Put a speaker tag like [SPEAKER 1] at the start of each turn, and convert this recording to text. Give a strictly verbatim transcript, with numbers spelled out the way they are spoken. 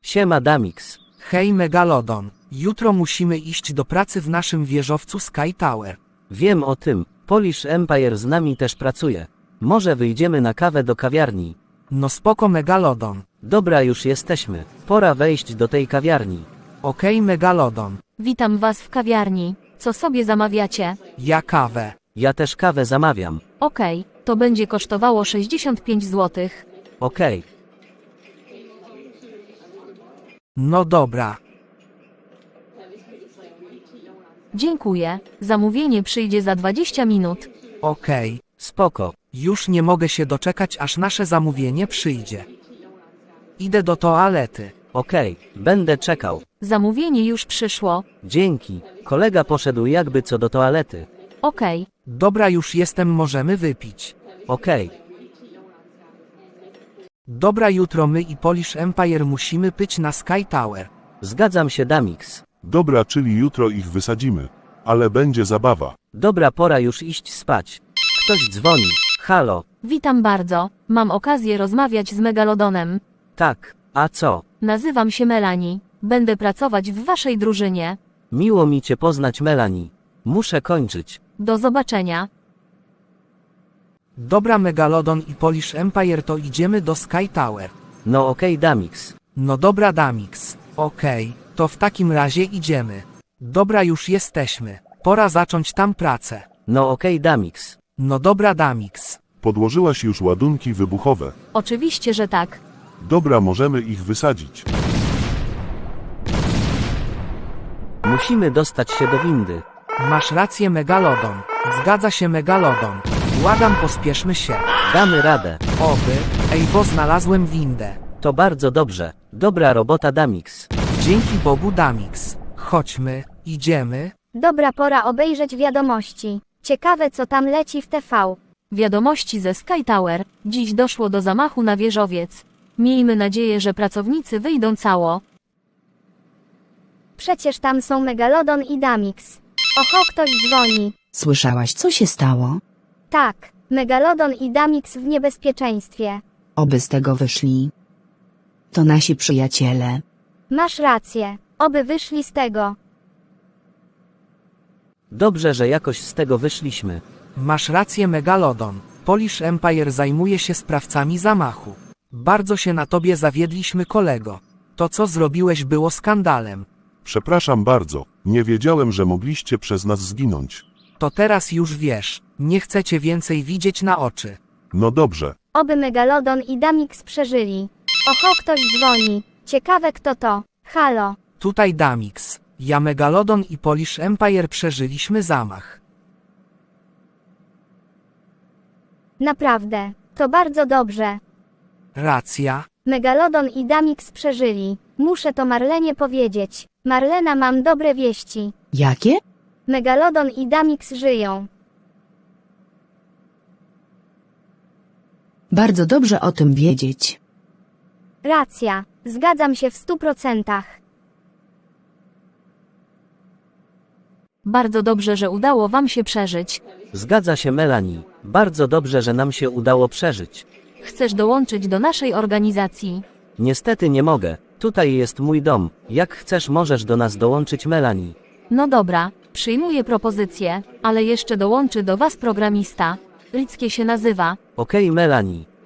[SPEAKER 1] Siema Damix.
[SPEAKER 2] Hej Megalodon, jutro musimy iść do pracy w naszym wieżowcu Sky Tower.
[SPEAKER 1] Wiem o tym, Polish Empire z nami też pracuje. Może wyjdziemy na kawę do kawiarni.
[SPEAKER 2] No spoko Megalodon.
[SPEAKER 1] Dobra, już jesteśmy. Pora wejść do tej kawiarni.
[SPEAKER 2] Okej Megalodon,
[SPEAKER 3] Witam was w kawiarni. Co sobie zamawiacie?
[SPEAKER 2] ja kawę.
[SPEAKER 1] Ja też kawę zamawiam.
[SPEAKER 3] Okej, to będzie kosztowało sześćdziesiąt pięć złotych.
[SPEAKER 1] Okej.
[SPEAKER 2] No dobra.
[SPEAKER 3] Dziękuję. Zamówienie przyjdzie za dwadzieścia minut.
[SPEAKER 2] Okej.
[SPEAKER 1] Spoko.
[SPEAKER 2] Już nie mogę się doczekać, aż nasze zamówienie przyjdzie. Idę do toalety.
[SPEAKER 1] Okej, będę czekał.
[SPEAKER 3] Zamówienie już przyszło.
[SPEAKER 1] Dzięki. Kolega poszedł jakby co do toalety.
[SPEAKER 3] Okej,
[SPEAKER 2] Dobra, już jestem, możemy wypić.
[SPEAKER 1] Okej.
[SPEAKER 2] Dobra, jutro my i Polish Empire musimy pyć na Sky Tower.
[SPEAKER 1] Zgadzam się Damix.
[SPEAKER 4] Dobra, czyli jutro ich wysadzimy. Ale będzie zabawa.
[SPEAKER 1] Dobra, pora już iść spać. Ktoś dzwoni. Halo.
[SPEAKER 3] witam bardzo. Mam okazję rozmawiać z Megalodonem.
[SPEAKER 1] Tak. A co?
[SPEAKER 3] Nazywam się Melanie. Będę pracować w waszej drużynie.
[SPEAKER 1] Miło mi cię poznać Melanie. Muszę kończyć.
[SPEAKER 3] Do zobaczenia.
[SPEAKER 2] Dobra Megalodon i Polish Empire, to idziemy do Sky Tower.
[SPEAKER 1] No okej Damix.
[SPEAKER 2] No dobra Damix. Okej, to w takim razie idziemy. Dobra, już jesteśmy. Pora zacząć tam pracę.
[SPEAKER 1] No okej Damix.
[SPEAKER 2] No dobra Damix.
[SPEAKER 4] Podłożyłaś już ładunki wybuchowe.
[SPEAKER 3] Oczywiście, że tak.
[SPEAKER 4] Dobra, możemy ich wysadzić.
[SPEAKER 1] Musimy dostać się do windy.
[SPEAKER 2] Masz rację Megalodon. Zgadza się Megalodon. Błagam, pospieszmy się.
[SPEAKER 1] Damy radę.
[SPEAKER 2] Oby. Ej, bo znalazłem windę.
[SPEAKER 1] To bardzo dobrze. Dobra robota Damix.
[SPEAKER 2] Dzięki Bogu Damix. Chodźmy, idziemy.
[SPEAKER 5] Dobra, pora obejrzeć wiadomości. Ciekawe, co tam leci w T V.
[SPEAKER 3] Wiadomości ze Sky Tower. Dziś doszło do zamachu na wieżowiec. Miejmy nadzieję, że pracownicy wyjdą cało.
[SPEAKER 5] Przecież tam są Megalodon i Damix. Oho, ktoś dzwoni.
[SPEAKER 6] Słyszałaś, co się stało?
[SPEAKER 5] Tak, Megalodon i Damix w niebezpieczeństwie.
[SPEAKER 6] Oby z tego wyszli. To nasi przyjaciele.
[SPEAKER 5] Masz rację. Oby wyszli z tego.
[SPEAKER 1] Dobrze, że jakoś z tego wyszliśmy.
[SPEAKER 2] Masz rację Megalodon. Polish Empire zajmuje się sprawcami zamachu. Bardzo się na tobie zawiedliśmy kolego. To co zrobiłeś było skandalem.
[SPEAKER 4] Przepraszam bardzo. Nie wiedziałem, że mogliście przez nas zginąć.
[SPEAKER 2] To teraz już wiesz. Nie chcę cię więcej widzieć na oczy.
[SPEAKER 4] No dobrze.
[SPEAKER 5] Oby Megalodon i Damix przeżyli. Oho, ktoś dzwoni. Ciekawe, kto to. Halo.
[SPEAKER 2] Tutaj Damix. Ja Megalodon i Polish Empire przeżyliśmy zamach.
[SPEAKER 5] Naprawdę. To bardzo dobrze.
[SPEAKER 2] Racja.
[SPEAKER 5] Megalodon i Damix przeżyli. Muszę to Marlenie powiedzieć. Marlena, mam dobre wieści.
[SPEAKER 6] Jakie?
[SPEAKER 5] Megalodon i Damix żyją.
[SPEAKER 6] Bardzo dobrze o tym wiedzieć.
[SPEAKER 5] Racja. Zgadzam się w stu procentach.
[SPEAKER 3] Bardzo dobrze, że udało wam się przeżyć.
[SPEAKER 1] Zgadza się Melanie. Bardzo dobrze, że nam się udało przeżyć.
[SPEAKER 3] Chcesz dołączyć do naszej organizacji?
[SPEAKER 1] Niestety nie mogę. Tutaj jest mój dom. Jak chcesz, możesz do nas dołączyć Melanie.
[SPEAKER 3] No dobra, przyjmuję propozycję, ale jeszcze dołączy do was programista. Rickie się nazywa.
[SPEAKER 1] Okej Melanie.